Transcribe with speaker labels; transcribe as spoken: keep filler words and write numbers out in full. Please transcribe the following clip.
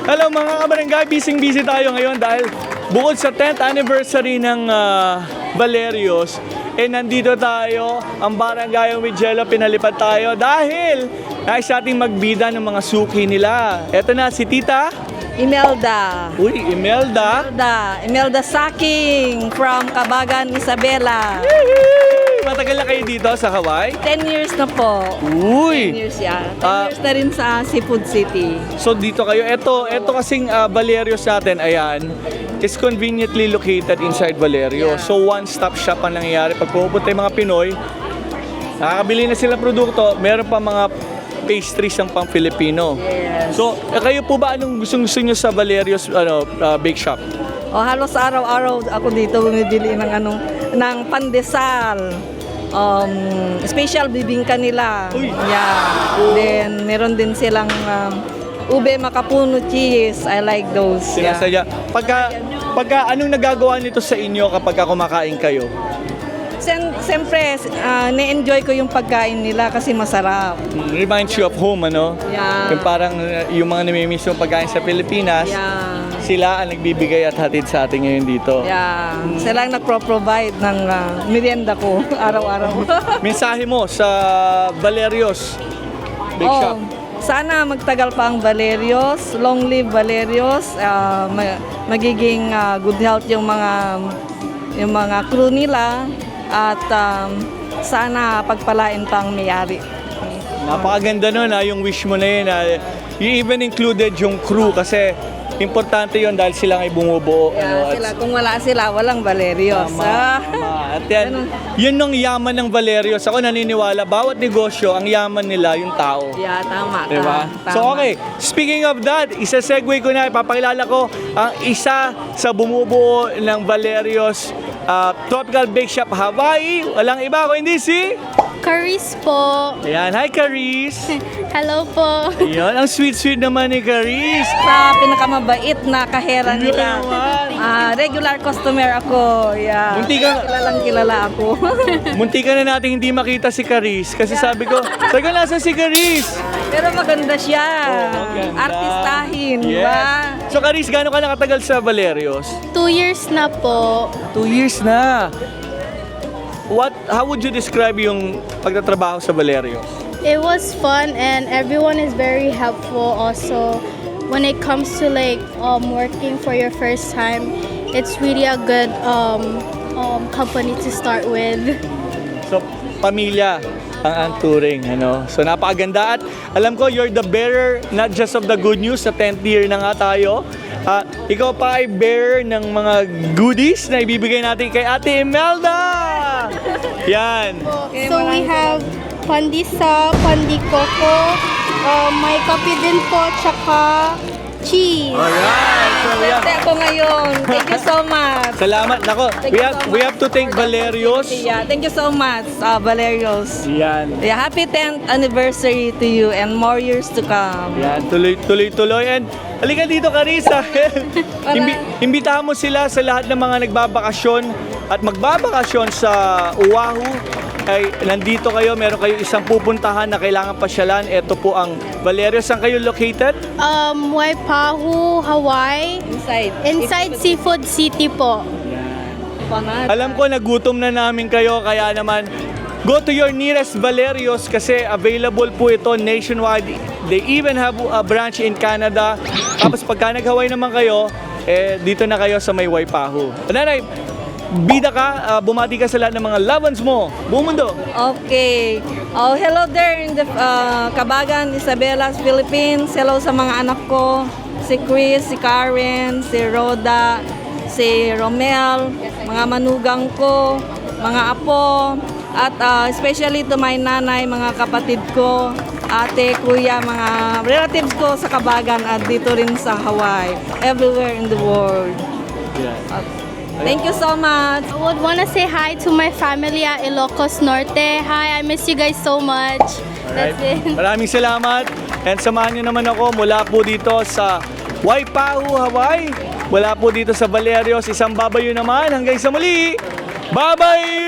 Speaker 1: Hello mga kabarangay, busy-busy tayo ngayon dahil bukod sa tenth anniversary ng uh, Valerios, eh nandito tayo, ang barangay with Jello, pinalipad tayo dahil nais ating magbida ng mga suki nila. Eto na si Tita.
Speaker 2: Imelda.
Speaker 1: Uy, Imelda.
Speaker 2: Imelda. Imelda Saking from Cabagan, Isabela.
Speaker 1: Matagal na kayo dito sa Hawaii?
Speaker 2: ten years na po.
Speaker 1: Uy!
Speaker 2: ten years yan. ten
Speaker 1: Ah.
Speaker 2: years na rin sa Seafood City.
Speaker 1: So dito kayo, eto, eto kasing uh, Valerios natin, ayan, is conveniently located inside Valerio.
Speaker 2: Yeah.
Speaker 1: So one-stop shop ang nangyayari. Pag pupunta yung mga Pinoy, nakakabili na sila produkto, meron pa mga pastries ang pang Filipino.
Speaker 2: Yes.
Speaker 1: So, eh, kayo po ba anong gustong-gusto nyo sa Valerios ano, uh, bake shop?
Speaker 2: O halos araw-araw ako dito bumibili ng anong ng pandesal. Um, special bibingka nila.
Speaker 1: Uy.
Speaker 2: Yeah. Then meron din silang um, ube makapuno cheese. I like those. Yeah.
Speaker 1: Sinasaya. Pagka, pagka anong nagagawa nito sa inyo kapag kumakain kayo?
Speaker 2: Sen- Siyempre, uh, na-enjoy ko yung pagkain nila kasi masarap.
Speaker 1: Reminds you of home, ano?
Speaker 2: Yeah.
Speaker 1: Yung parang uh, yung mga namimiss yung pagkain sa Pilipinas,
Speaker 2: Yeah.
Speaker 1: sila ang nagbibigay at hatid sa atin ngayon dito.
Speaker 2: Yeah. Sila ang nagpro-provide ng uh, merienda ko araw-araw.
Speaker 1: Mensahe mo sa Valerios Bake
Speaker 2: Oh,
Speaker 1: Shop.
Speaker 2: sana magtagal pa ang Valerios. Long live Valerios. Uh, ma- magiging uh, good health yung mga yung mga crew nila at um, sana pagpalain pang may-ari.
Speaker 1: Napakaganda nun ha, yung wish mo na yun. Ha. You even included yung crew kasi importante yon dahil sila ay bumubuo.
Speaker 2: Yeah,
Speaker 1: at
Speaker 2: sila, kung wala sila, walang Valerios.
Speaker 1: Tama,
Speaker 2: Ah.
Speaker 1: tama. At yan, yun ang yaman ng Valerios. Ako naniniwala, bawat negosyo, ang yaman nila yung tao.
Speaker 2: Yeah, tama.
Speaker 1: Diba?
Speaker 2: tama.
Speaker 1: So okay, speaking of that, isa-segue ko na, ipapakilala ko ang isa sa bumubuo ng Valerios uh, Tropical Bake Shop Hawaii. Walang iba ko hindi si...
Speaker 3: Caris po.
Speaker 1: Ayan, hi Caris!
Speaker 3: Hello po.
Speaker 1: Ayan, ang sweet-sweet naman ni Caris.
Speaker 2: Sa pinakamabait na kahera
Speaker 1: Yun
Speaker 2: nila.
Speaker 1: naman.
Speaker 2: Ah, regular customer ako. Yeah.
Speaker 1: Munti ka-
Speaker 2: Kilalang kilala ako.
Speaker 1: Munti ka na natin hindi makita si Caris kasi sabi ko, sabi ko, nasa si Caris?
Speaker 2: Pero maganda siya.
Speaker 1: Oh, maganda.
Speaker 2: Artistahin, di
Speaker 1: Yes.
Speaker 2: ba?
Speaker 1: So Caris, gaano ka nakatagal sa Valerios?
Speaker 3: Two years na po.
Speaker 1: Two years na. What, how would you describe yung pagtatrabaho sa Valerios?
Speaker 3: It was fun and everyone is very helpful also. When it comes to like um, working for your first time, it's really a good um, um, company to start with.
Speaker 1: So, pamilya ang ang touring, ano. So, napakaganda at alam ko you're the bearer not just of the good news sa tenth year na nga tayo. Ah, ikaw pa ay bearer ng mga goodies na ibibigay natin kay Ate Imelda. Yan.
Speaker 3: So we have pandisa, pandikoko, uh, may kape din po, tsaka cheese.
Speaker 1: Alright. So, yan.
Speaker 2: Swerte ako ngayon. Thank you so much.
Speaker 1: Salamat. Nako,
Speaker 2: Thank
Speaker 1: we
Speaker 2: you
Speaker 1: have,
Speaker 2: so
Speaker 1: we
Speaker 2: much
Speaker 1: have to thank
Speaker 2: for the
Speaker 1: Valerios.
Speaker 2: opportunity. Yeah, thank you so much, uh, Valerios.
Speaker 1: Yan.
Speaker 2: Yeah, happy tenth anniversary to you and more years to come.
Speaker 1: Yan, tuloy, tuloy, tuloy. And halika dito, Carissa. Imbi imbitahan mo sila sa lahat ng mga nagbabakasyon at magbabakasyon sa Oahu. Ay, nandito kayo, meron kayo isang pupuntahan na kailangan pasyalan. Ito po ang Valerios. Saan kayo located?
Speaker 3: Um, Waipahu, Hawaii.
Speaker 2: Inside.
Speaker 3: Inside Seafood City po.
Speaker 2: Panat.
Speaker 1: Alam ko, nagutom na namin kayo, kaya naman, go to your nearest Valerios kasi available po ito nationwide. They even have a branch in Canada. Tapos pagka nag-Hawaii naman kayo, eh, dito na kayo sa may Waipahu. Nanay, bida ka, uh, bumati ka sa lahat ng mga loved ones mo. Buong mundo.
Speaker 2: Okay. Oh, hello there in the uh, Cabagan, Isabela, Philippines. Hello sa mga anak ko. Si Chris, si Karen, si Rhoda, si Romel, mga manugang ko, mga apo, at uh, especially to my nanay, mga kapatid ko, ate, kuya, mga relatives ko sa Cabagan at dito rin sa Hawaii, everywhere in the world.
Speaker 1: Yeah.
Speaker 2: Thank you so much.
Speaker 3: I would want to say hi to my family at Ilocos Norte. Hi, I miss you guys so much. That's it.
Speaker 1: Maraming salamat. And samahan niyo naman ako mula po dito sa Waipahu, Hawaii. Wala po dito sa Valerios. Isang babayo naman. Hanggang sa muli. Bye-bye!